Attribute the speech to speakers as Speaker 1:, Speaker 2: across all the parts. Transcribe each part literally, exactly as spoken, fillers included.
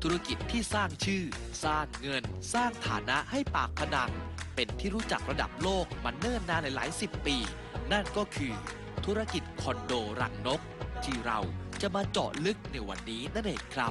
Speaker 1: ธุรกิจที่สร้างชื่อ สร้างเงิน สร้างฐานะให้ปากพนังเป็นที่รู้จักระดับโลกมาเนิ่นนานหลายสิบปี นั่นก็คือธุรกิจคอนโดรังนกที่เราจะมาเจาะลึกในวันนี้นั่นเองครับ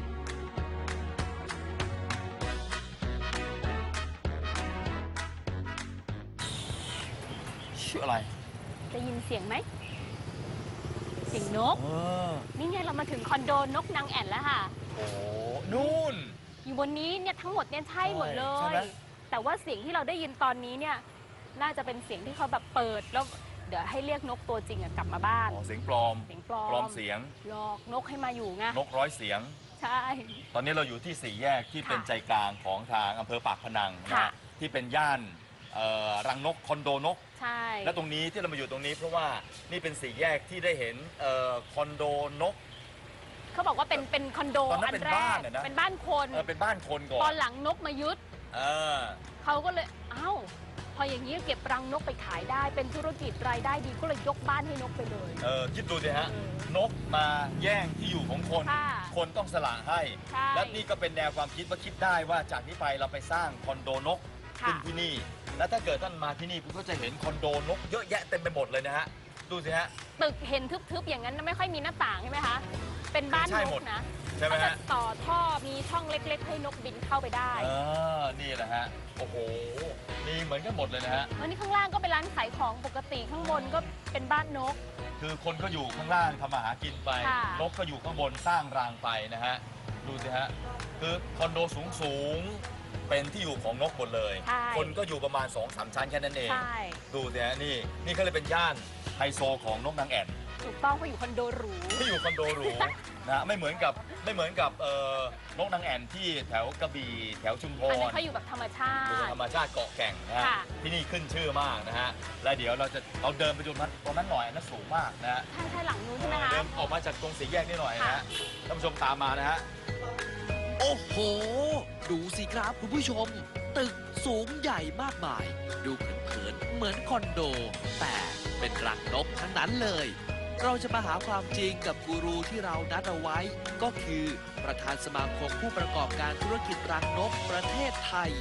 Speaker 2: ชื่ออะไร
Speaker 3: ได้ยินเสียงไหมเสียงนก
Speaker 2: เออ
Speaker 3: นี่ไงเรามาถึงคอนโดนกนางแอ่นแล้วค่ะ
Speaker 2: โอ้นู่น
Speaker 3: อยู่บนนี้เนี่ยทั้งหมดเนี่ยใช่หมดเล
Speaker 2: ใช่
Speaker 3: ย
Speaker 2: ไหม
Speaker 3: แต่ว่าเสียงที่เราได้ยินตอนนี้เนี่ยน่าจะเป็นเสียงที่เขาแบบเปิดแล้วเดี๋ยวให้เรียกนกตัวจริงอะกลับมาบ้าน
Speaker 2: อ๋อเสียงปลอม
Speaker 3: เสียงปลอม
Speaker 2: ปลอมเสียง
Speaker 3: หลอกนกให้มาอยู่ไง
Speaker 2: นกร้อยเสียง
Speaker 3: ใช่
Speaker 2: ตอนนี้เราอยู่ที่สี่แยกที่
Speaker 3: ค่ะ
Speaker 2: เป็นใจกลางของทางอำเภอปากพนังนะ
Speaker 3: ค่ะ
Speaker 2: ฮะที่เป็นย่านเอ่อรังนกคอนโดนก
Speaker 3: ใช่
Speaker 2: และตรงนี้ที่เรามาอยู่ตรงนี้เพราะว่านี่เป็นสี่แยกที่ได้เห็นเอ่อคอนโดนก
Speaker 3: เขาบอกว่าเป็นเป็นคอนโด
Speaker 2: ตอนนั้
Speaker 3: อั
Speaker 2: น
Speaker 3: น
Speaker 2: เป็น
Speaker 3: แร
Speaker 2: บ้าก นอะนะ
Speaker 3: เป็นบ้านคน
Speaker 2: เออเป็นบ้านคนก่อ
Speaker 3: ตอน นหลังนกมายึด
Speaker 2: เออ
Speaker 3: เขาก็เลยเอ้าพออย่างนี้เก็บรังนกไปขายได้เป็นธุรกิจรายได้ดีก็เลยยกบ้านให้นกไปเลย
Speaker 2: เออคิดดูสิฮะ
Speaker 3: เออ
Speaker 2: นกมาแย่งที่อยู่ของคน
Speaker 3: ค่ะ
Speaker 2: คนต้องสละให้
Speaker 3: ใช่
Speaker 2: และนี่ก็เป็นแนวความคิดว่าคิดได้ว่าจากนี้ไปเราไปสร้างคอนโดนกขึ้น
Speaker 3: ค่ะ
Speaker 2: ที่นี่ และถ้าเกิดท่านมาที่นี่คุณก็จะเห็นคอนโดนกเยอะแยะเต็มไปหมดเลยนะฮะ ดูสิฮะ
Speaker 3: ตึกเห็นทึบๆอย่างนั้นไม่ค่อยมีหน้าต่างใช่ไหมคะ เป็นบ้าน
Speaker 2: ใช่
Speaker 3: น
Speaker 2: หมด
Speaker 3: กนะ
Speaker 2: ใช่ไหม
Speaker 3: เขาจะ
Speaker 2: ฮะ
Speaker 3: ต่อท่อมีช่องเล็กๆ ให้นกบินเข้าไปได้
Speaker 2: เออนี่แหละฮะ โอ้โห มีเหมือนกันหมดเลยนะฮะ
Speaker 3: อันนี้ข้างล่างก็เป็นร้านขายของปกติข้างบนก็เป็นบ้านนก
Speaker 2: คือคนก็อยู่ข้างล่างทำมาหากินไป
Speaker 3: ค่ะ
Speaker 2: นกก็อยู่ข้างบนสร้างรางไปนะฮะ ดูสิฮะ คือคอนโดสูงสูงๆเป็นที่อยู่ของนกหมดเลย
Speaker 3: ใช่
Speaker 2: คนก็อยู่ประมาณสองสามชั้นแค่นั้นเอง
Speaker 3: ใช่
Speaker 2: ดูสิฮะนี่นี่เขาเลยเป็นย่านไฮโซของนกนางแอ่น
Speaker 3: ถูกต้องเขาอยู่คอนโดหรู
Speaker 2: ที่อยู่คอนโดหรู นะไม่เหมือนกับไม่เหมือนกับเอ่อนกนางแอ่นที่แถวกระบี่แถวชุมพ
Speaker 3: อัน
Speaker 2: ร
Speaker 3: นั้นเขาอยู่แบบธรรมชา
Speaker 2: ดู
Speaker 3: ติ
Speaker 2: ธรรมชาติเกาะแก่งนะฮะ
Speaker 3: ค่ะ
Speaker 2: ที่นี่ขึ้นชื่อมากนะฮะและเดี๋ยวเราจะเราเดินไปดูนั้นตรงนั้นหน่อยอันนั้นสูงมากนะฮะ
Speaker 3: ใช่ใช่หลังนู้นใช่ไหมคะ
Speaker 2: เดินออกมาจากตรงสี่แยกนี่หน่อยนะ
Speaker 3: ค่ะ
Speaker 2: ฮะท่านผู้ชมตามมานะฮะ
Speaker 1: โอ้โห ดูสิครับคุณผู้ชม ตึกสูงใหญ่มากมาย ดูเผินๆเหมือนคอนโด แต่เป็นรังนกทั้งนั้นเลย เราจะมาหาความจริงกับกูรูที่เรานัดเอาไว้ ก็คือประธานสมาคมผู้ประกอบการธุรกิจรังนกประเทศไทย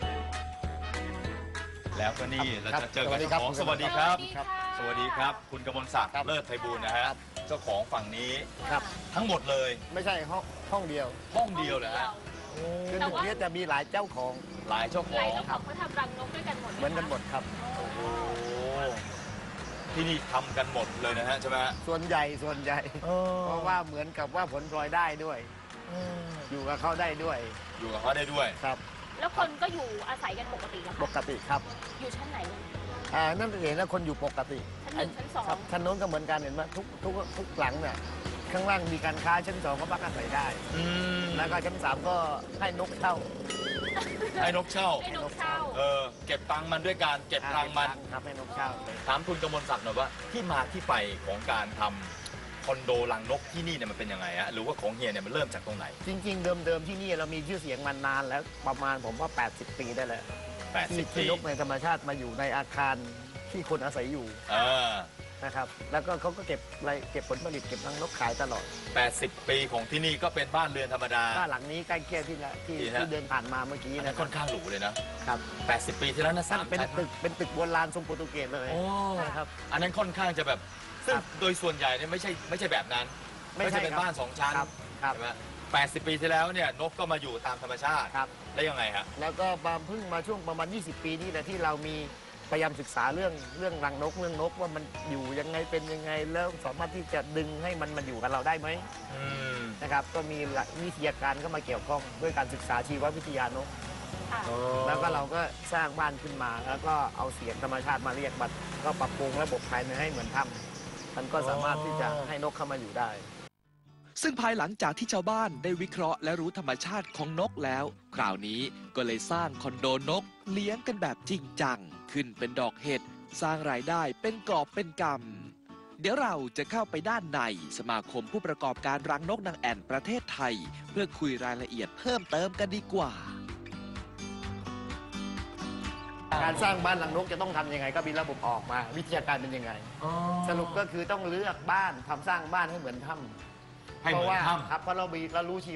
Speaker 2: แล้วก็นี่เรา
Speaker 4: ครับ
Speaker 2: จะเจอกับ
Speaker 4: สวัสดี
Speaker 2: เจ้า
Speaker 4: ครับ
Speaker 2: ของสวัสดีครับ
Speaker 3: สวัสดีค่ะ
Speaker 2: สวัสดีครับ คุณกมลศักดิ์
Speaker 4: ครับ
Speaker 2: เลิศไพบูลย์นะฮะเจ้าของฝั่งนี้
Speaker 4: ครับ
Speaker 2: ทั้งหมดเลย
Speaker 4: ไม่ใช่ห้องห้องเดียว
Speaker 2: ห้องเดียวเหรอฮะ
Speaker 4: คือ
Speaker 3: แต่
Speaker 4: ตึก
Speaker 3: ว่า
Speaker 4: นี้จะมีหลายเจ้าของ
Speaker 2: หลายเจ้าข
Speaker 3: ห
Speaker 2: อ
Speaker 3: ลาย
Speaker 2: ง
Speaker 3: เจ้าของเขาทำรังนกด้วยกันหมด
Speaker 4: เหมือนกันหมดครับ
Speaker 2: โอ้โหที่นี่ทำกันหมดเลยนะฮะใช่ไหมฮะ
Speaker 4: ส่วนใหญ่ส่วนใหญ่ เพราะว่าเหมือนกับว่าผลพลอยได้ด้วย อยู่กับเขาได้ด้วย
Speaker 2: อยู่กับเขาได้ด้วย
Speaker 4: ครับ
Speaker 3: แล้วคนก็อยู่อาศัยกันปกติเหรอ
Speaker 4: ป
Speaker 3: คะ
Speaker 4: กติครับ
Speaker 3: อยู่ชั้นไหน
Speaker 4: อ่านั่นเองนะคนอยู่ปกติ
Speaker 3: ชั้นหนึ่งชั้นสอง
Speaker 4: ครับชั้นโน้นก็เหมือนกันเห็นไหมทุกทุกทุกหลังเนี่ยข้างล่างมีการค้าชั้นสองก็พักอาศัยได้
Speaker 2: อืม
Speaker 4: แล้วก็ชั้นสามก็ให้นกเช่า
Speaker 2: ให้นกเช่า
Speaker 3: ให้นกเช่า
Speaker 2: เออ เก็บตังค์มันด้วยการเก็บรังมัน
Speaker 4: ครับให้นกเช่า
Speaker 2: ถามคุณกมลศักดิ์หน่อยว่าที่มาที่ไปของการทำคอนโดรังนกที่นี่เนี่ยมันเป็นยังไงฮะหรือว่าของเฮียเนี่ยมันเริ่มจากตรงไหน
Speaker 4: จริง ๆ เดิมๆที่นี่เรามีชื่อเสียงมานานแล้วประมาณผมว่า แปดสิบ ปีได้แล้ว
Speaker 2: แปดสิบ
Speaker 4: ที่
Speaker 2: ปี
Speaker 4: นกในธรรมชาติมาอยู่ในอาคารที่คนอาศัยอยู่
Speaker 2: เออ
Speaker 4: นะครับ แล้วก็เขาก็เก็บอะไรเก็บผลผลิตเก็บรังนกขายตลอด
Speaker 2: แปดสิบปีของที่นี่ก็เป็นบ้านเรือนธรรมดา
Speaker 4: บ้านหลังนี้ใกล้เคียงที่ละที่
Speaker 2: ดีฮะ
Speaker 4: ที่เดินผ่านมาเมื่อกี้
Speaker 2: อัน
Speaker 4: นะ
Speaker 2: นั้น
Speaker 4: ค
Speaker 2: ค่
Speaker 4: รั
Speaker 2: อนข้างหรูเลยนะ
Speaker 4: ครับ
Speaker 2: แปดสิบปีที่แล้วนะสาม
Speaker 4: เป็น
Speaker 2: ชั้น
Speaker 4: ตึกเป็นตึกโบราณทรงโปรตุเกสเลย
Speaker 2: โอ้
Speaker 4: นะครับ
Speaker 2: อันนั้นค่อนข้างจะแบบซึ่ง
Speaker 4: ครับ
Speaker 2: โดยส่วนใหญ่เนี่ยไม่ใช่ไม่ใช่แบบนั้น
Speaker 4: ไม่ใช่
Speaker 2: เป็น
Speaker 4: ครับ
Speaker 2: บ้านสองชั้น
Speaker 4: ครับครับ
Speaker 2: ใช่ไหมแปดสิบปีที่แล้วเนี่ยนกก็มาอยู่ตามธรรมชาติ
Speaker 4: ครับ
Speaker 2: แล้วยังไงฮะ
Speaker 4: แล้วก็มาเพิ่งมาช่วงประมาณ ยี่สิบ ปีนี้แหละที่เรามีพยายามศึกษาเรื่องเรื่องรังนกเรื่องนกว่ามันอยู่ยังไงเป็นยังไงแล้วสามารถที่จะดึงให้มันมาอยู่กับเราได้ไหม
Speaker 2: อืม
Speaker 4: นะครับก็มีหลักวิทยาการเข้ามาเกี่ยวข้องด้วยการศึกษาชีววิทยานก
Speaker 3: ค่ะ
Speaker 4: แล้วก็เราก็สร้างบ้านขึ้นมา แล้วก็เอาเสียงธรรมชาติมาเรียกมันก็ปรับปรุงระบบภายในให้เหมือนถ้ำมันก็สามารถที่จะให้นกเข้ามาอยู่ได้
Speaker 1: ซึ่งภายหลังจากที่ชาวบ้านได้วิเคราะห์และรู้ธรรมชาติของนกแล้ว คราวนี้ก็เลยสร้างคอนโดนกเลี้ยงกันแบบจริงจัง ขึ้นเป็นดอกเห็ดสร้างรายได้เป็นกอบเป็นกำเดี๋ยวเราจะเข้าไปด้านในสมาคมผู้ประกอบการรังนกนางแอ่นประเทศไทย เพื่อคุยรายละเอียดเพิ่มเติมกันดีกว่า
Speaker 4: การสร้างบ้านรังนกจะต้องทำยังไงก็มีระบบออกมา วิทยาการเป็นยังไง สรุปก็คือต้องเลือกบ้านทำสร้างบ้านให้เหมือนถ้ำ
Speaker 2: ให้
Speaker 4: เพ
Speaker 2: เหมื
Speaker 4: ราะ
Speaker 2: อน
Speaker 4: ว่า
Speaker 2: ถ้ำ
Speaker 4: ครับเพราะเรามีเรารู้ชีวะ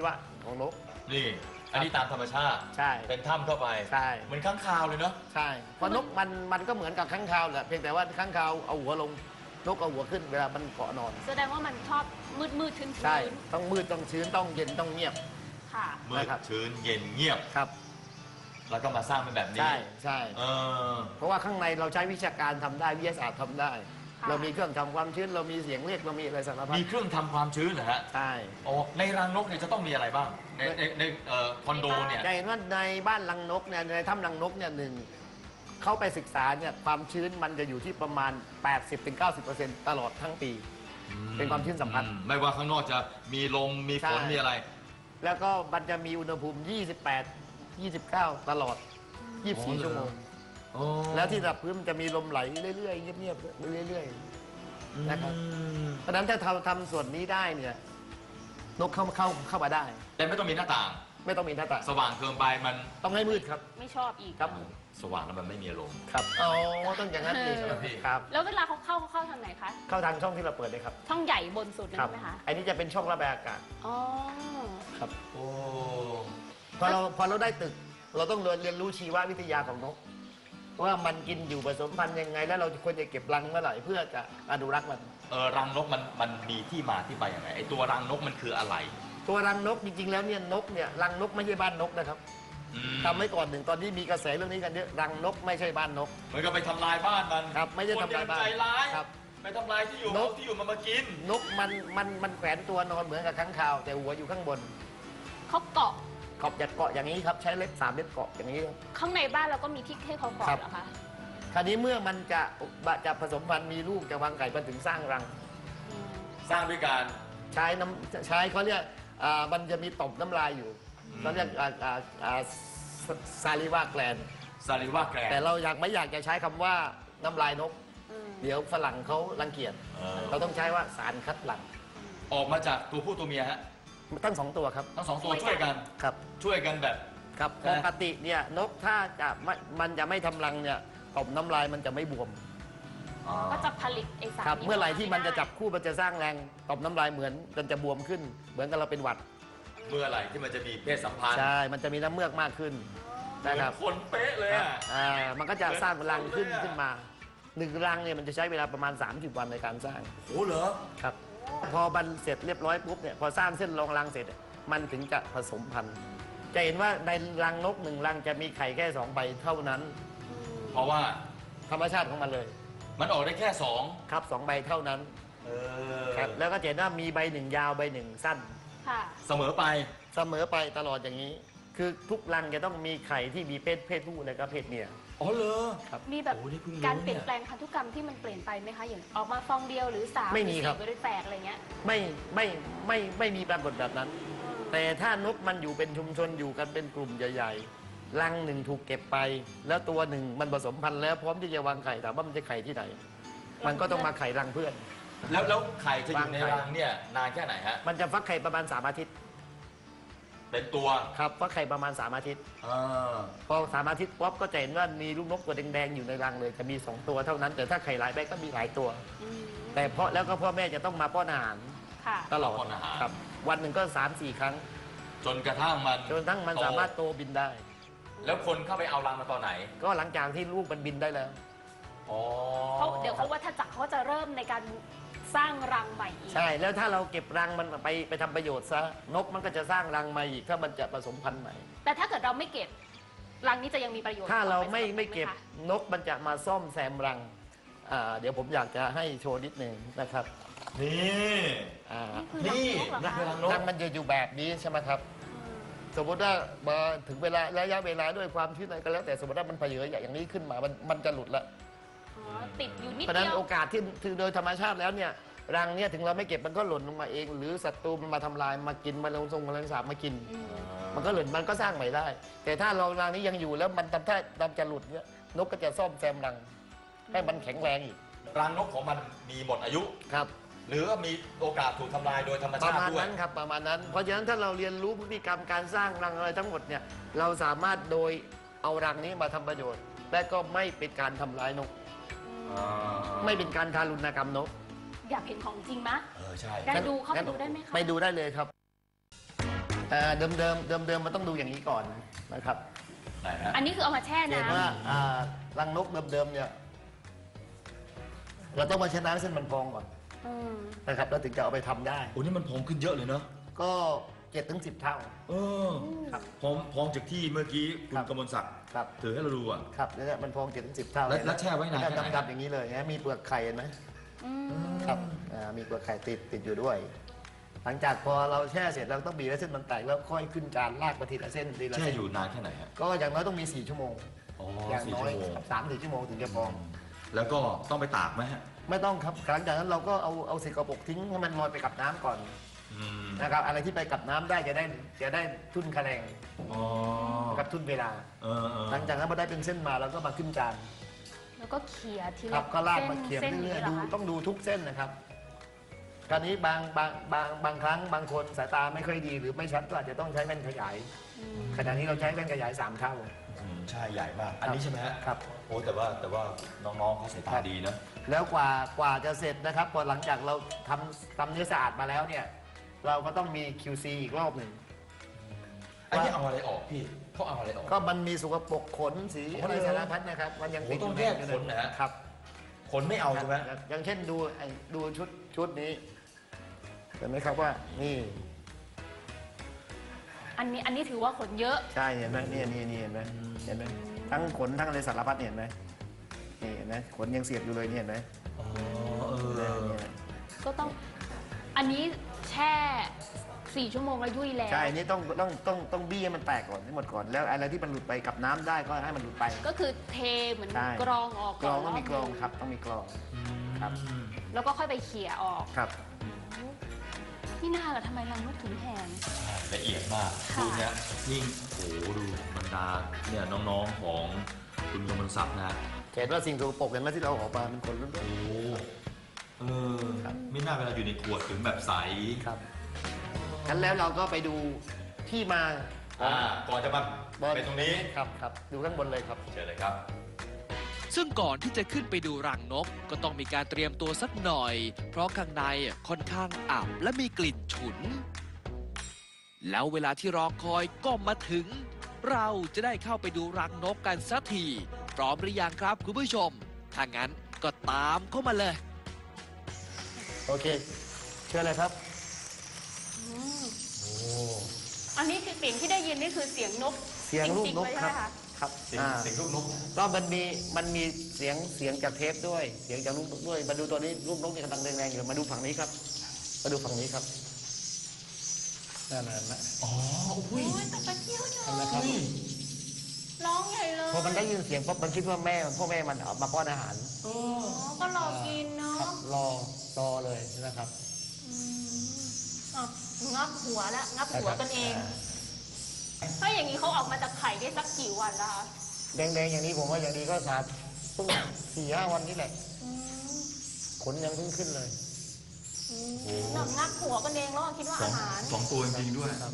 Speaker 4: ของนก
Speaker 2: นี่อันนี้ตามธรรมชาติ
Speaker 4: ใช่
Speaker 2: เป็นถ้ำเข้าไป
Speaker 4: ใช่
Speaker 2: เหมือนข้างคาวเลยเนาะ
Speaker 4: ใช่เพราะนกมันมันก็เหมือนกับค้างคาวแหละเพียงแต่ว่าค้างคาวเอาหัวลงนกเอาหัวขึ้นเวลามันเกาะนอน
Speaker 3: แสดงว่ามันชอบมืดมืดๆชื้น
Speaker 4: ใช่
Speaker 3: ๆ
Speaker 4: ต้องมืดต้องชื้นต้องเย็นต้องเงียบ
Speaker 3: ค่ะ
Speaker 2: มืด
Speaker 4: นะครับ
Speaker 2: ชื้นเย็นเงียบ
Speaker 4: ครับ
Speaker 2: แล้วก็มาสร้างเป็นแบบนี้
Speaker 4: ใช่ใช่
Speaker 2: เออ
Speaker 4: เพราะว่าข้างในเราใช้วิชาการทำได้วิทยาศาสตร์ทำได้
Speaker 3: ค่ะ
Speaker 4: เรามีเครื่องทำความชื้นเรามีเสียงเรียกเรามีอะไรสารพัด
Speaker 2: มีเครื่องทำความชื้นเหรอฮะ
Speaker 4: ใช่
Speaker 2: โอ้ในรังนกเนี่ยจะต้องมีอะไรบ้าง ในในในเอ่อคอนโดเนี่ย
Speaker 4: จะเห็นว่าในบ้านรังนกเนี่ยในถ้ำรังนกเนี่ยหนึ่งเข้าไปศึกษาเนี่ยความชื้นมันจะอยู่ที่ประมาณ แปดสิบถึงเก้าสิบเปอร์เซ็นต์ ตลอดทั้งปี เป็นความชื้นสัมพันธ์
Speaker 2: อืไม่ว่าข้างนอกจะมีลมมีฝน
Speaker 4: ใช่
Speaker 2: มีอะไร
Speaker 4: แล้วก็มันจะมีอุณหภูมิ ยี่สิบแปด ยี่สิบเก้า ตลอด ยี่สิบสี่ ชั่วโมง
Speaker 2: โอ้
Speaker 4: แล้วที่ระดับพื้นมันจะมีลมไหลเรื่อยๆเงียบๆเรื่อยๆนะครับ
Speaker 2: อืม
Speaker 4: เพราะฉะนั้นถ้าเราทำส่วนนี้ได้เนี่ยนกเข้าเข้าเข้ามาได้
Speaker 2: แต่ไม่ต้องมีหน้าต่าง
Speaker 4: ไม่ต้องมีหน้าต่าง
Speaker 2: สว่างเกินไปมัน
Speaker 4: ต้องให้มืดครับ
Speaker 3: ไม่ชอบอีก
Speaker 4: ครับ
Speaker 2: สว่างแล้วมันไม่มีอารมณ์
Speaker 4: ครับอ๋อต้องอย่างนั้นเอง
Speaker 3: เออ
Speaker 4: ครับ
Speaker 3: แล้วเวลาเขาเข้าเขาเข้าทางไหนคะ
Speaker 4: เข้าทางช่องที่เราเปิดเลยครับ
Speaker 3: ช่องใหญ่บนสุดนั่น
Speaker 4: ครับ
Speaker 3: ใช่ไหมคะ
Speaker 4: อันนี้จะเป็นช่องระบายอากาศ
Speaker 3: อ๋อ
Speaker 4: ครับ
Speaker 2: โอ้
Speaker 4: พอเราพอเราได้ตึก เราต้องเรียนรู้ชีววิทยาของนกว่ามันกินอยู่ผสมพันธุ์ยังไง แล้วเราควรจะเก็บรังเมื่อไหร่เพื่อจะอนุรักษ์มัน
Speaker 2: เออรังนกมันมันมีที่มาที่ไปยังไงไอตัวรังนกมันคืออะไร
Speaker 4: ตัวรังนกจริงๆแล้วเนี่ยนกเนี่ยรังนกไม่ใช่บ้านนกนะครับ
Speaker 2: อืม
Speaker 4: ทำไว้ก่อนหนึ่งตอนนี้มีกระแสเรื่องนี้กันเยอะรังนกไม่ใช่บ้านนก
Speaker 2: เหมือนกับไปทำลายบ้านมัน
Speaker 4: ครับไม่ได้ทำลายบ้าน
Speaker 2: คนเดีวใจร้าย
Speaker 4: ครับ
Speaker 2: ไปทำลายที่อยู่
Speaker 4: นก
Speaker 2: ที่อยู่มันมากิน
Speaker 4: นกมันมันมันแขวนตัวนอนเหมือนกับค้างคาว แต่หัวอยู่ข้างบน
Speaker 3: เขาเกาะ
Speaker 4: ขอบจะเกาะอย่างนี้ครับใช้เล็บสามเล็บเกาะอย่างนี้ครับ
Speaker 3: ข้างในบ้านเราก็มีที่ให้เขาเกาะ
Speaker 4: ครับ
Speaker 3: เหรอคะ
Speaker 4: คราวนี้เมื่อมันจะจะผสมพันธุ์มีลูกจะวางไข่มันถึงสร้างรัง
Speaker 3: อืม
Speaker 2: สร้างด้วยการ
Speaker 4: ใช้น้ำใช้เขาเรียกอ่ามันจะมีต่อมน้ำลายอยู่
Speaker 2: อืม
Speaker 4: เขาเรียกอ่าอ่าอ่าซาลิวาแกลน
Speaker 2: ซาลิว่าแกรน
Speaker 4: แต่เราอยากไม่อยากจะใช้คำว่าน้ำลายนก
Speaker 3: อืม
Speaker 4: เดี๋ยวฝรั่งเขารังเกียจ
Speaker 2: เออ
Speaker 4: เราต้องใช้ว่าสารคัดหลั่ง
Speaker 2: ออกมาจากตัวผู้ตัวเมียฮะ
Speaker 4: ตั้งสองตัวครับ
Speaker 2: ทั้งสองตัวช่วยกัน
Speaker 4: ครับ
Speaker 2: ช่วยกันแบบ
Speaker 4: ครับ
Speaker 2: นะ
Speaker 4: ปกติเนี่ยนกถ้าจะไม่มันจะไม่ทำรังเนี่ยต่อมน้ำลายมันจะไม่บวม
Speaker 3: ก็จะผลิตไอสาร
Speaker 4: ครับ
Speaker 3: นี้
Speaker 4: เมื่อไหร่ที่มันจะ
Speaker 3: ด้
Speaker 4: จับคู่มันจะสร้างแรงต่อมน้ำลายเหมือนมันจะบวมขึ้น เหมือนกับเราเป็นหวัด
Speaker 2: เมื่อไหร่ที่มันจะมีเพศสัมพันธ์
Speaker 4: ใช่ มันจะมีน้ำเมือกมากขึ้น
Speaker 2: เหมื
Speaker 4: นะ
Speaker 2: อน
Speaker 4: ครับ
Speaker 2: คนเป๊ะเลยอ่ะ
Speaker 4: อ่ามันก็จะสร้างรังขึ้น
Speaker 2: เหมือนคนเลยอะ
Speaker 4: ขึ้นมาหนึ่งรังเนี่ยมันจะใช้เวลาประมาณสามสิบวันในการสร้าง
Speaker 2: โอ้เหรอ
Speaker 4: ครับ พอบันเสร็จเรียบร้อยปุ๊บเนี่ยพอสร้างเส้นรองรังเสร็จ มันถึงจะผสมพันธุ์จะเห็นว่าในรังนกหนึ่งรังจะมีไข่แค่สองใบเท่านั้น
Speaker 3: อืม
Speaker 2: เพราะว่า
Speaker 4: ธรรมชาติของมันเลย
Speaker 2: มันออกได้แค่สอง
Speaker 4: ครับสองใบเท่านั้น
Speaker 2: เออ
Speaker 4: ครับแล้วก็จะเห็นว่ามีใบหนึ่งยาวใบหนึ่งสั้น
Speaker 3: ค่ะ
Speaker 2: เสมอไป
Speaker 4: เสมอไปตลอดอย่างนี้ คือทุกรังจะต้องมีไข่ที่มีเพศเพศผู้และก็เพศเมีย
Speaker 2: อ๋อเหรอ
Speaker 3: มีแบบ
Speaker 2: โอ้นี่เพิ่งรู้
Speaker 3: การเปลี่ยน
Speaker 2: เนี่ย
Speaker 3: แปลงพันธุกรรมที่มันเปลี่ยนไปไหมคะอย่างออกมาฟองเดียวหรือสาม
Speaker 4: ไม่มีครับ
Speaker 3: หอสี่หรือแปดอะไรเงี้ย
Speaker 4: ไม่ไม่ไม่ไม่มีปรากฏแบบนั้น แต่ถ้านกมันอยู่เป็นชุมชนอยู่กันเป็นกลุ่มใหญ่ๆรังหนึ่งถูกเก็บไป แล้วตัวหนึ่งมันผสมพันธุ์แล้วพร้อมที่จะวางไข่ถามว่ามันจะไข่ที่ไหน มันก็ต้องมาไข่รังเพื่อน
Speaker 2: แล้วแล้วไข่จะอยู่ใน
Speaker 4: วางไข่
Speaker 2: รังเนี่ยนานแค่ไหนฮะ
Speaker 4: มันจะฟักไข่ประมาณสามอาทิตย์
Speaker 2: เป็นตัว
Speaker 4: ครับฟักไข่ประมาณสามอาทิตย์
Speaker 2: เออ
Speaker 4: พอสามอาทิตย์ป๊อปก็จะเห็นว่ามีลูกนกตัวแดงๆอยู่ในรังเลยจะมีสองตัวเท่านั้น แต่ถ้าไข่หลายใบก็มีหลายตัว
Speaker 3: อืม
Speaker 4: แต่เพราะแล้วก็พ่อแม่จะต้องมาป้อนอาหาร
Speaker 3: ค่ะ
Speaker 4: ตลอด
Speaker 2: ป้อนอาหาร
Speaker 4: ครับ วันหนึ่งก็สามสี่ครั้ง
Speaker 2: จนกระทั่งมัน
Speaker 4: จนกระทั้งมันสามารถโตบินได้
Speaker 2: แล้วคนเข้าไปเอารังมาตอนไหน
Speaker 4: ก็หลังจากที่ลูกมันบินได้แล้ว
Speaker 2: อ๋อ
Speaker 3: เขาเดี๋ยวเขาวัฏจักรเขาจะเริ่มในการสร้างรังใหม่อีก
Speaker 4: ใช่ แล้วถ้าเราเก็บรังมันไปไปทำประโยชน์ซะนกมันก็จะสร้างรังมาอีกถ้ามันจะผสมพันธุ์ใหม่
Speaker 3: แต่ถ้าเกิดเราไม่เก็บรังนี้จะยังมีประโยชน์
Speaker 4: ถ้าเรา
Speaker 3: ต่อป
Speaker 4: ไม่
Speaker 3: สำหบ
Speaker 4: ไม่เก็บ
Speaker 3: หคะ
Speaker 4: นกมันจะมาซ่อมแซมรังอ่าเดี๋ยวผมอยากจะให้โชว์นิดหนึ่งนะครับ
Speaker 2: นี่
Speaker 4: อ่า
Speaker 3: นี่คือรังนกเหรอ
Speaker 2: นี่
Speaker 3: คะ
Speaker 2: รังนก
Speaker 4: รังมันจะอยู่แบบนี้ใช่ไหมครับ
Speaker 3: อืม
Speaker 4: สมมติว่ามาถึงเวลาระยะเวลาด้วยความชื้นอะไรก็แล้วแต่สมมติว่ามันเผยอย่างนี้ขึ้นมามันมันจะหลุดละ
Speaker 3: อ๋อติดอยู่นิด
Speaker 4: เพราะฉะ
Speaker 3: เดี
Speaker 4: นั้น
Speaker 3: ยว
Speaker 4: โอกาสที่ที่โดยธรรมชาติแล้วเนี่ยรังเนี่ยถึงเราไม่เก็บมันก็หล่นลงมาเอง หรือศัตรูมันมาทำลายมากินมาลงทรงมาลงสาบมากิน
Speaker 3: อืม
Speaker 4: มันก็หล่นมันก็สร้างใหม่ได้ แต่ถ้าเรารังนี้ยังอยู่แล้วมันทำท่าทำจะหลุดเนี่ยนกก็จะซ่อมแซมรัง ให้มันแข็งแรงอีก
Speaker 2: รังนกของมันมีหมดอายุ
Speaker 4: ครับ
Speaker 2: หรือว่ามีโอกาสถูกทำลายโดยธรรม
Speaker 4: ป
Speaker 2: ชา
Speaker 4: ระ
Speaker 2: ติ
Speaker 4: มาณ
Speaker 2: ด้วย
Speaker 4: นั้นครับประมาณนั้น เพราะฉะนั้นถ้าเราเรียนรู้พฤติกรรมการสร้างรังอะไรทั้งหมดเนี่ยเราสามารถโดยเอารังนี้มาทำประโยชน์ และก็ไม่เป็นการทำร้ายนก ไม่เป็นการทารุณกรรมนก
Speaker 3: อยากเห็นของจริงมะ
Speaker 2: เออใช่
Speaker 3: ได้ดูเข้าไปดูได้ไหมคะ
Speaker 4: ไปดูได้เลยครับอ่าเดิมเดิมเดิมเดิมๆมันต้องดูอย่างนี้ก่อนนะครับ
Speaker 2: ไหนฮะ
Speaker 3: อันนี้คือเอามาแช่
Speaker 4: เห็น
Speaker 3: น้ำ
Speaker 4: ว่าอ่ารังนกเดิมๆเนี่ยเราต้องมาแช่น้ำให้เส้นมันพองก่อน
Speaker 3: อืม
Speaker 4: นะครับแล้วถึงจะเอาไปทำได้
Speaker 2: โอ้นี่มันพองขึ้นเยอะเลยเนาะ
Speaker 4: ก็เจ็ดถึงสิบเท่า
Speaker 2: เออ
Speaker 4: ครับ
Speaker 2: พองพองจากที่เมื่อกี้คุ
Speaker 4: ครั
Speaker 2: ณ
Speaker 4: บ
Speaker 2: กมลศักดิ์
Speaker 4: ครับ
Speaker 2: ถือให้เราดูอ่ะ
Speaker 4: ครับเนี่ยมันพองเจ็ดถึงสิบเท่า
Speaker 2: แล้วแล้วแช่ไว้นานแค่ไหน
Speaker 4: ดำๆอย่างนี้เลยนะมีเปลือกไข่เห็นไหม
Speaker 3: อืม
Speaker 4: ครับอ่ามีเปลือกไข่ติดติดอยู่ด้วย หลังจากพอเราแช่เสร็จเราต้องบีบให้เส้นมันแตกแล้วค่อยขึ้นจานลากไปทีละเส้นทีละ
Speaker 2: แช่
Speaker 4: เส้น
Speaker 2: อยู่นานแค่ไหนฮะ
Speaker 4: ก็อย่างน้อยต้องมีสี่ชั่วโมง
Speaker 2: อ๋อ
Speaker 4: อย่าง
Speaker 2: สี่
Speaker 4: น้อ
Speaker 2: ชั่
Speaker 4: ยว
Speaker 2: โมง
Speaker 4: สามสี่ชั่วโมงถึงจะพอง
Speaker 2: แล้วก็ต้องไปตากไหมฮะ
Speaker 4: ไม่ต้องครับหลังจากนั้นเราก็เอาเอาสิ่งกระปรกทิ้งให้มันลอยไปกับน้ำก่อน
Speaker 2: อืม
Speaker 4: นะครับอะไรที่ไปกับน้ำได้จะได้จะได้ทุนคะแนน
Speaker 2: อ๋อ
Speaker 4: กับทุนเวลา
Speaker 2: เออเออ
Speaker 4: หลังจากนั้นพอได้เป็นเส้นมาเราก็มาขึ้นจาน
Speaker 3: แล้วก็เขี่ยที
Speaker 4: ครั
Speaker 3: ละ
Speaker 4: บก็ลาก
Speaker 3: เส้น
Speaker 4: มาเขียน
Speaker 3: เส้น
Speaker 4: เรื่อย
Speaker 3: นี้
Speaker 4: ๆ
Speaker 3: เหร
Speaker 4: ดู
Speaker 3: อคะ
Speaker 4: ต้องดูทุกเส้นนะครับคราวนี้บางบางบางบางครั้งบางคนสายตาไม่ค่อยดีหรือไม่ชัดก็อาจจะต้องใช้แว่นขยาย
Speaker 3: อืม
Speaker 4: ขณะนี้เราใช้แว่นขยายสามเท่า
Speaker 2: อืมใช่ใหญ่มาก อันนี้ใช่ไหมฮะ
Speaker 4: ครับ
Speaker 2: โอ้แต่ว่าแต่ว่าน้องๆเขาสายตาดีนะ
Speaker 4: แล้วกว่ากว่าจะเสร็จนะครับพอหลังจากเราทำทำเนื้อสะอาดมาแล้วเนี่ยเราก็ต้องมี คิว ซี อีกรอบหนึ่ง
Speaker 2: อันนี้เอาอะไรออกพี่เขาเอาอะไรออก
Speaker 4: ก็มันมีสกปรกขนสี
Speaker 2: โอ้
Speaker 4: อะไร
Speaker 2: เลย
Speaker 4: สารพัดนะครับ มันยัง
Speaker 2: โอ้
Speaker 4: ติด
Speaker 2: ต้องแยกขนนะฮะ
Speaker 4: ครับ
Speaker 2: คนไม่เอาใช่ไหม
Speaker 4: อย่างอย่างเช่นดูไอ้ดูชุดชุดนี้เห็นไหมครับว่านี่
Speaker 3: อันนี้อันนี้ถือว่าขนเยอะ
Speaker 4: ใช่เห็นไหมนี่นี่นี่เห็นไหมเห็นไหมทั้งขนทั้งอะไรสารพัดเนี่ยเห็นไหมนี่เห็นไหมขนยังเสียบอยู่เลยเนี่ยเห็นไหม
Speaker 2: อ๋อเอ
Speaker 4: เนี่ย
Speaker 2: อ
Speaker 4: เนี่ย
Speaker 3: ก็ต้อง อันนี้แช่สี่ชั่วโมงแล้วยุ่ยแล้ว
Speaker 4: ใช่อันนี้ต้องต้องต้องต้องบี้ให้มันแตกก่อนให้หมดก่อน แล้วอะไรที่มันหลุดไปกับน้ำได้ก็ให้มันหลุดไป
Speaker 3: ก็คือเทเหมือน
Speaker 4: ใช่
Speaker 3: กรองออก
Speaker 4: กรอง
Speaker 3: น
Speaker 4: ต้องมีกรอง
Speaker 3: บหนึ่
Speaker 4: ครับต้องมีกรอง ครับ
Speaker 3: แล้วก็ค่อยไปเขี่ยออก
Speaker 4: ครับ
Speaker 3: นี่น่าละทำไมรังนกถึงแพง
Speaker 2: ละเอียดมาก
Speaker 3: ค่ะ
Speaker 2: ดูเนี่ยนี่โอ้โหดูบรรดาเนี่ยน้องๆของคุณกมลศักดิ์นะ
Speaker 4: เห็นว่าสิ่งสกปรกเห็นไหมที่เราเอาออกมาเป็นขนล้วน
Speaker 2: โอ้โหเออ
Speaker 4: ครับ
Speaker 2: ไม่น่าเวลาอยู่ในขวดถึงแบบใส
Speaker 4: ๆครับงั้นแล้วเราก็ไปดูที่มา
Speaker 2: อ่าก่อนจะมา
Speaker 4: บอล
Speaker 2: เป็นตรงนี้
Speaker 4: ครับครับดูข้างบนเลยครับ
Speaker 2: เชิญเลยครับ
Speaker 1: ซึ่งก่อนที่จะขึ้นไปดูรังนกก็ต้องมีการเตรียมตัวสักหน่อย เพราะข้างในค่อนข้างอับและมีกลิ่นฉุน แล้วเวลาที่รอคอยก็มาถึง เราจะได้เข้าไปดูรังนกกันสักที พร้อมหรือยังครับคุณผู้ชม ถ้างั้นก็ตามเข้ามาเลย
Speaker 4: โอเค เชิญเลยครับ
Speaker 3: อืมอันนี้คือเสียงที่ได้ยินนี่คือเสียงนก
Speaker 4: เสียงลูก
Speaker 3: จริง
Speaker 4: น
Speaker 3: ๆ
Speaker 4: ก
Speaker 3: เลย
Speaker 4: ค
Speaker 3: ใช่
Speaker 4: รับ
Speaker 3: ไหมคะ
Speaker 4: ครับ
Speaker 2: เสียง
Speaker 4: อ่า
Speaker 2: เสียงลูกนก
Speaker 4: ก็มันมีมันมีเสียงเสียงจากเทปด้วย เสียงจากลูกนกด้วย มาดูตัวนี้ลูกนกนี่กำลังแรงๆอยู่มาดูฝั่งนี้ครับ มาดูฝั่งนี้ครับนั่นนะ
Speaker 2: อ๋ออุ้ย
Speaker 3: โอ้ยแต่ตะเกียวเน
Speaker 4: นั่น
Speaker 3: อะ
Speaker 4: นะครับ
Speaker 3: ร้องใหญ่เลย
Speaker 4: พอมันได้ยินเสียงปั๊บมันคิดว่าแม่พ่อแม่มันเอามาป้อนอาหาร
Speaker 3: อ๋อก็รอกินเนาะ
Speaker 4: ครับรอรอเลยนะครับ
Speaker 3: อืมอ่ะงับหัวแล้วงับหัวกันเอง
Speaker 4: า
Speaker 3: ถ้าอย่างนี้เขาออกมาจากไข่ได้สักกี่วันละคะ
Speaker 4: แดงๆอย่างนี้ผมว่าอย่างนี้ก็สามเพิ่งสี่ห้าวันนี้แหละ
Speaker 3: อืม
Speaker 4: ขนยังเพิ่งขึ้นเลย
Speaker 3: อืมหนักงับหัวกันเองแล้วก็คิดว่า
Speaker 2: สอ
Speaker 3: อาง หาร
Speaker 2: สองตัวจริงๆด้วย
Speaker 4: ครับ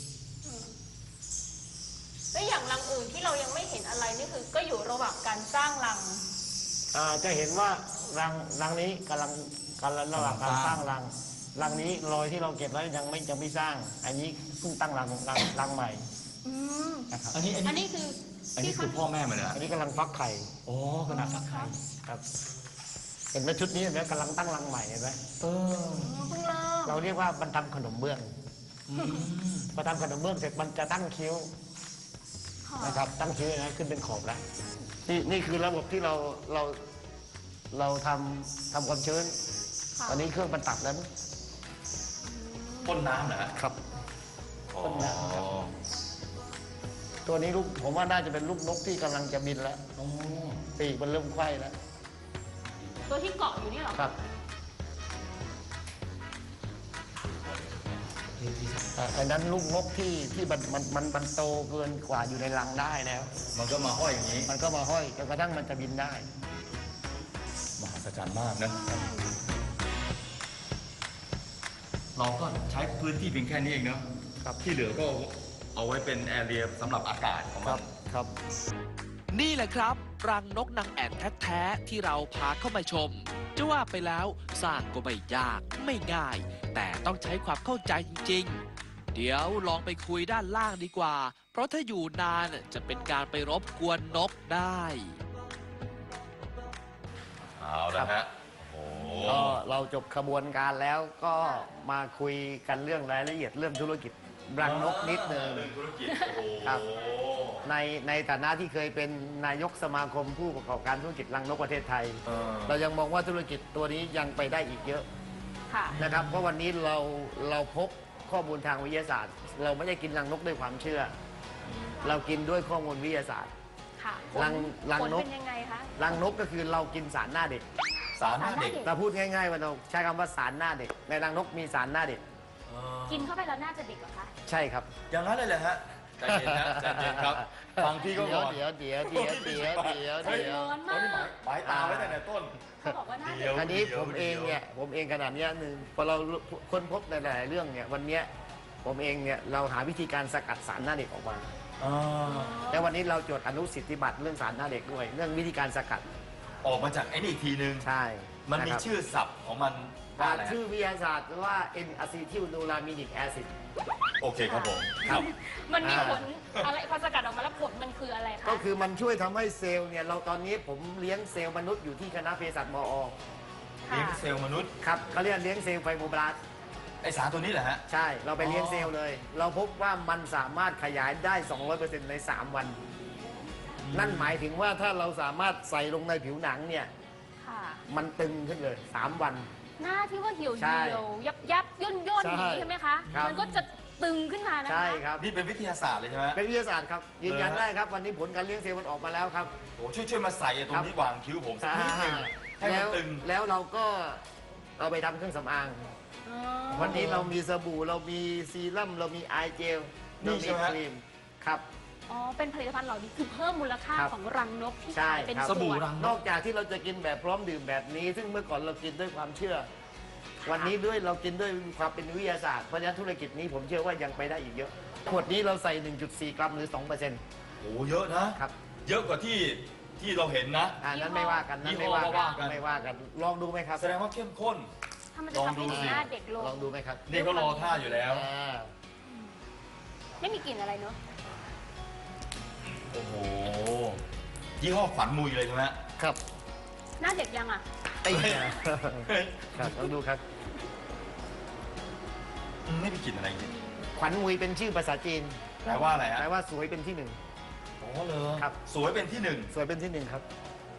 Speaker 3: แล้วอย่างรังอื่นที่เรายังไม่เห็นอะไรนี่คือก็อยู่ระหว่างการสร้างรัง
Speaker 4: อ่าจะเห็นว่ารังรังนี้กำลังกำลังระหว่างการสร้างรังรังนี้รอยที่เราเก็บไว้ยังไม่ยังไม่สร้าง อันนี้เพิ่งตั้งรังรังรังใหม่
Speaker 3: อืม
Speaker 4: นะครับ
Speaker 2: อันนี้อัน
Speaker 3: อัน
Speaker 2: นี้
Speaker 3: นี้คือ
Speaker 2: อันนี้
Speaker 3: ที่
Speaker 2: คือ
Speaker 3: เขา
Speaker 2: พ่อแม่มันนะ
Speaker 4: อันนี้กำลังฟักไข่
Speaker 2: อ๋อกำลังฟักไข่
Speaker 4: ครับ เห็นไหมชุดนี้เห็นไหมกำลังตั้งรังใหม่เห็นไหม
Speaker 2: เออ
Speaker 3: อ๋อเพิ่งเริ่ม
Speaker 4: เราเรียกว่ามันทำขนมเบื้องพอทำขนมเบื้องเสร็จมันจะตั้งคิ้ว
Speaker 3: ค่ะ
Speaker 4: นะครับ ตั้งคิ้วนะขึ้นเป็นขอบแล้วนี่นี่คือระบบที่เราเราเราทำทำความชื้น
Speaker 3: ค่ะ
Speaker 4: ตอนนี้เครื่องมันตัดแล้ว
Speaker 2: พ่นน้ำเหรอฮะ
Speaker 4: ครับ
Speaker 2: อ๋อ
Speaker 4: พ่นน้ำครับ ตัวนี้ลูกผมว่าน่าจะเป็นลูกนกที่กำลังจะบินแล้ว
Speaker 2: อ๋อ
Speaker 4: ปีกมันเริ่มไขว้แล้ว
Speaker 3: ตัวที่เกาะอยู่นี่เหรอ
Speaker 4: ครับอ่าอันนั้นลูกนกที่ที่มันมันมันมันโตเกินกว่าอยู่ในรังได้แล้ว
Speaker 2: มันก็มาห้อยอย่างนี้
Speaker 4: มันก็มาห้อยจนกระทั่งมันจะบินได้
Speaker 2: มหัศจรรย์มากนะ เราก็ใช้พื้นที่เพียงแค่นี้เองเนาะ
Speaker 4: ครับ
Speaker 2: ที่เหลือก็เอาไว้เป็นแอเรียสำหรับอากาศของ
Speaker 4: ค
Speaker 2: มั
Speaker 4: รั
Speaker 2: น
Speaker 4: บครับ
Speaker 1: นี่แหละครับ รังนกนางแอ่นแท้ๆที่เราพาเข้ามาชม จะว่าไปแล้วสร้างก็ไม่ยากไม่ง่าย แต่ต้องใช้ความเข้าใจจริงๆเดี๋ยวลองไปคุยด้านล่างดีกว่า เพราะถ้าอยู่นานจะเป็นการไปรบกวนนกได้
Speaker 2: เอาละฮะโอ้โห
Speaker 4: ก็เราจบขบวนการแล้วก็มาคุยกันเรื่องรายละเอียดเรื่องธุรกิจรังนกนิดนึง
Speaker 2: เรื่องธุรกิจโอ้โห
Speaker 4: ครับ ในในฐานะที่เคยเป็นนายกสมาคมผู้ประกอบการธุรกิจรังนกประเทศไทย
Speaker 2: เออ
Speaker 4: เรายังมองว่าธุรกิจตัวนี้ยังไปได้อีกเยอะ
Speaker 3: ค่ะ
Speaker 4: นะครับ เพราะวันนี้เราเราพบข้อมูลทางวิทยาศาสตร์ เราไม่ได้กินรังนกด้วยความเชื่อ เรากินด้วยข้อมูลวิทยาศาสตร์
Speaker 3: ค่ะ
Speaker 4: รังรัง
Speaker 3: ผล
Speaker 4: นก
Speaker 3: เป็นยังไงคะ
Speaker 4: รังนกก็คือเรากินสารหน้าเด็ก
Speaker 2: สารหน้าเด็ก
Speaker 4: เราพูดง่ายๆว่าเราใช้คำว่าสารหน้าเด็ก ในรังนกมีสารหน้าเด็ก
Speaker 2: เออ
Speaker 3: กินเข้าไปแล้วน่าจะเด็กเหรอคะ
Speaker 4: ใช่ครับ
Speaker 2: อย่างนั้นเลยเหรอฮะใจเย็นนะใจเย็นครับฟังพี่ก็
Speaker 4: เดี๋
Speaker 2: ก่
Speaker 4: ยว
Speaker 2: อน
Speaker 4: เดี๋ยวเดี๋ยวเดี๋ยวเดี๋ยวเดี๋ยว
Speaker 3: ใจ
Speaker 4: เดี๋ยว
Speaker 3: ร้อนมาก
Speaker 2: ตอนนี้หมายหมายตาไว้ตั้งแต่ต้น
Speaker 3: เขาบอกว่าน่า
Speaker 2: เดี๋
Speaker 3: จะ
Speaker 2: ยว
Speaker 4: คราวนี้ผมเองเนี่ยผมเองขนาดเนี้ยหนึ่งพอเราค้นพบในหลายๆเรื่องเนี่ยวันเนี้ยผมเองเนี่ยเราหาวิธีการสกัดสารหน้าเด็กออกมา
Speaker 2: อ่า
Speaker 4: แล้ววันนี้เราจดอนุสิทธิบัตรเรื่องสารหน้าเด็กด้วย เรื่องวิธีการสกัด
Speaker 2: ออกมาจากไอ้นี่อีกทีนึง
Speaker 4: ใช่
Speaker 2: มันมี
Speaker 4: ะครับ
Speaker 2: ชื่อศัพท์ของมันว่า
Speaker 4: อ่า
Speaker 2: อะไรฮะ
Speaker 4: ชื่อวิทยาศาสตร์ว่า N acetylnolamidic acid
Speaker 2: โอเคครับผมครับ
Speaker 3: มันมี
Speaker 4: อ่า
Speaker 3: ผลอะไรพอสกัดออกมาแล้วผลมันคืออะไรคะ
Speaker 4: ก็คือมันช่วยทำให้เซลล์เนี่ยเราตอนนี้ผมเลี้ยงเซลล์มนุษย์อยู่ที่คณะเภสัชมอ
Speaker 2: เลี้ยงเซลล์มนุษย์
Speaker 4: ครับเขาเรียกเลี้ยงเซลล์ไฟโบบลาสต์
Speaker 2: ไอสารตัวนี้เหรอฮะ
Speaker 4: ใช่เราไปเลี้ยง
Speaker 2: อ๋อ
Speaker 4: เซลล์เลย เราพบว่ามันสามารถขยายได้ สองร้อยเปอร์เซ็นต์ ใน สาม วัน นั่นหมายถึงว่าถ้าเราสามารถใส่ลงในผิวหนังเนี่ย
Speaker 3: ค่ะ
Speaker 4: มันตึงขึ้นเลย สาม วัน
Speaker 3: หน้าที่ว่าเหี่ยว
Speaker 4: ใช่
Speaker 3: เหี่ยวยับยับย่นย่น
Speaker 4: ใช่
Speaker 3: อย่างนี้ใช่ไหมคะ
Speaker 4: ครับ
Speaker 3: มันก็จะตึงขึ้นมานะคะ
Speaker 4: ใช่ครับ
Speaker 2: นี่เป็นวิทยาศาสตร์เลยใช่ไหม
Speaker 4: เป็นวิทยาศาสตร์ครับยืนยัน
Speaker 2: เหรอฮะ
Speaker 4: ได้ครับ วันนี้ผลการเลี้ยงเซลล์มันออกมาแล้วครับ
Speaker 2: โอ้ช่วยช่วยมาใส่ไอ้ตรงนี้วางคิ้วผมสักนิดหนึงให้มั
Speaker 4: แล้
Speaker 2: น
Speaker 4: ว
Speaker 2: ตึง
Speaker 4: แล้วเราก็เอาไปทำเครื่องสำอาง
Speaker 3: อ๋อ
Speaker 4: วันนี้เรามีสบู่เรามีซีรั่มเรามีไอเจล
Speaker 2: นี่
Speaker 4: เรา
Speaker 2: ใช่
Speaker 4: มี
Speaker 2: ไหม
Speaker 4: ครีมครับ
Speaker 3: อ๋อ เป็นผลิตภัณฑ์เหล่านี้คือเพิ่มมูลค่า
Speaker 4: ครับ
Speaker 3: ของรังนกที่
Speaker 4: ใช่
Speaker 3: ขายเป็น
Speaker 4: ครับ
Speaker 3: ส่วน
Speaker 2: สบู่รัง
Speaker 4: นอกจากที่เราจะกินแบบพร้อมดื่มแบบนี้ ซึ่งเมื่อก่อนเรากินด้วยความเชื่อ วันนี้ด้วยเรากินด้วยความเป็นวิทยาศาสตร์เพราะฉะนั้นธุรกิจนี้ผมเชื่อว่ายังไปได้อีกเยอะขวดนี้เราใส่ หนึ่งจุดสี่ กรัมหรือ สองเปอร์เซ็นต์
Speaker 2: โอ้เยอะนะ
Speaker 4: ครับ
Speaker 2: เยอะกว่าที่ที่เราเห็นนะ
Speaker 4: อ่านั้นไม่ว่ากันนั้นไม่ว่า
Speaker 2: ยี่ห้อก็ว่ากั
Speaker 4: กัน นไม่ว่ากัน ลองดูไหมครับ
Speaker 2: แสดงว่าเข้มข้น
Speaker 3: ถ้ามันจะทำให้
Speaker 2: ลองดูสิ
Speaker 3: หน้าเด็กลง
Speaker 4: ลองดูไหมครับ
Speaker 2: นี่เขารอท่าอยู่แล้ว
Speaker 4: อ่า
Speaker 3: ไม่มีกลิ่นอะไรเนอะ
Speaker 2: โอ้โห ยี่ห้อขวัญมุยเลยใช่ไหม
Speaker 4: ครับ
Speaker 3: หน้าเด็กยังอ่ะ
Speaker 4: ไอ้เนี่ยครับลองดูครับ
Speaker 2: อืมไม่มีกลิ่นอะไรจริง
Speaker 4: ขวัญมุยเป็นชื่อภาษาจีน
Speaker 2: แปลว่าอะไรฮะ
Speaker 4: แปลว่าสวยเป็นที่หนึ่ง
Speaker 2: อ๋อเลย
Speaker 4: ครับ
Speaker 2: สวยเป็นที่หนึ่ง
Speaker 4: สวยเป็นที่หนึ่งครับ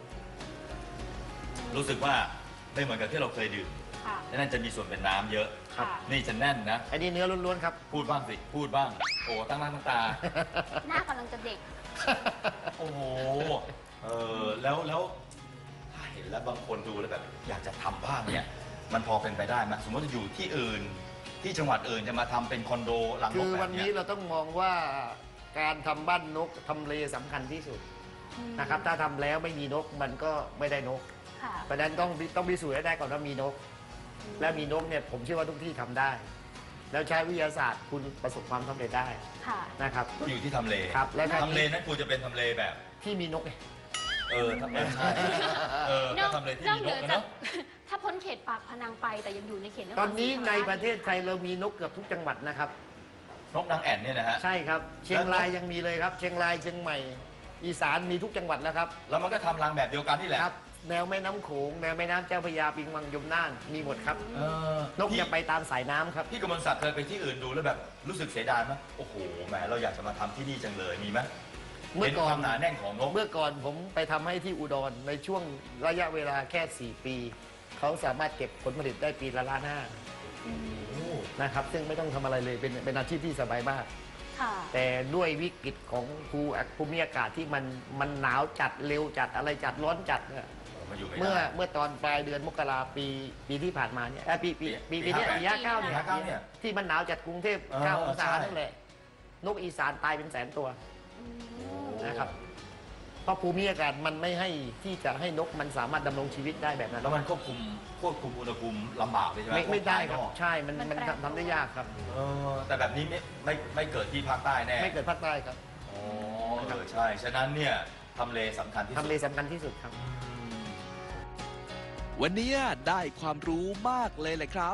Speaker 2: รู้สึกว่าไม่เหมือนกับที่เราเคยดื่ม
Speaker 3: ค่ะ
Speaker 2: และนั่นจะมีส่วนเป็นน้ำเยอะ
Speaker 4: ครับ
Speaker 3: ค่ะ
Speaker 2: นี่จะแน่นนะ
Speaker 4: อันนี้เนื้อล้วนๆครับ
Speaker 2: พูดบ้างสิ พูดบ้าง โอ้ตั้งหน้าตั้งตา
Speaker 3: หน้ากำลังจะเด็ก
Speaker 2: โอ้โห เออแล้วแล้วถ้าเห็นแล้วบางคนดูแล้วแบบอยากจะทำบ้างเนี่ย มันพอเป็นไปได้ไหมสมมติจะอยู่ที่อื่น ที่จังหวัดอื่นจะมาทำเป็นคอนโดหลังน
Speaker 4: คื
Speaker 2: ก
Speaker 4: อ
Speaker 2: แบ
Speaker 4: วั
Speaker 2: บ
Speaker 4: น
Speaker 2: เนี้
Speaker 4: นี้
Speaker 2: ย
Speaker 4: เราต้องมองว่าการทำบ้านนกทำเลสำคัญที่สุดนะครับ ถ้าทำแล้วไม่มีนกมันก็ไม่ได้นก
Speaker 3: ค่ะ
Speaker 4: เพราะฉะนั้นต้องต้องพิสูจน์ให้ได้ก่อนว่ามีนก และมีนกเนี่ยผมเชื่อว่าทุกที่ทำได้ แล้วใช้วิทยาศาสตร์คุณประสบความสำเร็จได้
Speaker 3: ค่ะ
Speaker 4: นะครับ
Speaker 2: อยู่ที่ทำเล
Speaker 4: ครับและถ้า
Speaker 2: ทำเลนั้นควรจะเป็นทำเลแบบ
Speaker 4: ที่มีนกไง
Speaker 2: เออทำเลใช่เออน ก็
Speaker 3: อก
Speaker 2: ทำเลที่
Speaker 3: นอก
Speaker 2: มี
Speaker 3: เห
Speaker 2: น
Speaker 3: นื
Speaker 2: ก
Speaker 3: อ
Speaker 2: นะ
Speaker 3: จาก
Speaker 2: เนาะ
Speaker 3: ถ้าพ้นเขตปากพนังไปแต่ยังอยู่ในเขตคร
Speaker 4: ตอนนี้
Speaker 3: ศรีธรรม
Speaker 4: ใน
Speaker 3: ราช
Speaker 4: ประเทศไทยเรามีนกเกือบทุกจังหวัดนะครับ
Speaker 2: นกนางแอ่นเนี่ยนะฮะ
Speaker 4: ใช่ครับ เชียงรายยังมีเลยครับ เชียงรายเชียงใหม่ อีสานมีทุกจังหวัดแล้วครับ
Speaker 2: แล้วมันก็ทำรังแบบเดียวกันนี่แหละ
Speaker 4: ครับ แนวแม่น้ำโขงแนวแม่น้ำเจ้าพระยาปิงวังยมน่านมีหมดครับ
Speaker 2: เออน
Speaker 4: กจะไปตามสายน้ำครับ
Speaker 2: พี่กมลศักดิ์เคยไปที่อื่นดูแล้วแบบรู้สึกเสียดายไหมโอ้โหแหมเราอยากจะมาทำที่นี่จังเลยมีไหม
Speaker 4: เมื่อ
Speaker 2: เห็น
Speaker 4: ก่
Speaker 2: ค
Speaker 4: อ
Speaker 2: วาน มหนาแน่นของนก
Speaker 4: เมื่อก่อนผมไปทำให้ที่อุดรในช่วงระยะเวลาแค่ สี่ ปี เขาสามารถเก็บผลผลิตได้ปีละล้านห้านะครับ ซึ่งไม่ต้องทำอะไรเลยเป็นเป็นอาชีพที่สบายมาก
Speaker 3: ค่ะ
Speaker 4: แต่ด้วยวิกฤตของภูภูมิอากาศที่มันมันหนาวจัดเร็วจัดอะไรจัดร้อนจัดเนี่ย
Speaker 2: มาอยู่ไม่
Speaker 4: เมื่อ
Speaker 2: ได้
Speaker 4: เมื่อตอนปลายเดือนมกราปีปีที่ผ่านมาเนี่ยเอ้ยปีปีปีปีเนี้ย
Speaker 2: ปี
Speaker 4: ปีห้าเก้า
Speaker 2: ปี
Speaker 4: เนี่ย
Speaker 2: ห้าเก้าเนี่ย
Speaker 4: ที่มันหนาวจัดกรุงเทพ
Speaker 2: เออ
Speaker 4: เก้าองศา
Speaker 2: ใช่
Speaker 4: นั่นแหละนกอีสานตายเป็นแสนตัว
Speaker 3: อืม
Speaker 4: นะครับ เพราะภูมิอากาศมันไม่ให้ที่จะให้นกมันสามารถดำรงชีวิตได้แบบนั้น
Speaker 2: แล้วมันควบคุมควบคุมอุณหภูมิลำบากเลยใช่ไหม
Speaker 4: ไม่ไม่ได้ครับ
Speaker 2: พวกภายนอก
Speaker 4: ใช่มันมันทำทำได้ยากครับ
Speaker 2: เออแต่แบบนี้ไม่ไม่ไม่เกิดที่ภาคใต้แน่
Speaker 4: ไม่เกิดภาคใต้ครับ
Speaker 2: อ๋อเออใช่ ฉะนั้นเนี่ยทำเลสำคัญที่สุด
Speaker 4: ทำเลสำคัญที่สุดครับ
Speaker 1: วันนี้ได้ความรู้มากเลยแหละครับ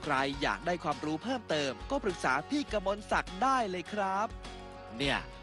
Speaker 1: ใครอยากได้ความรู้เพิ่มเติม ก็ปรึกษาพี่กมลศักดิ์ได้เลยครับ เนี่ย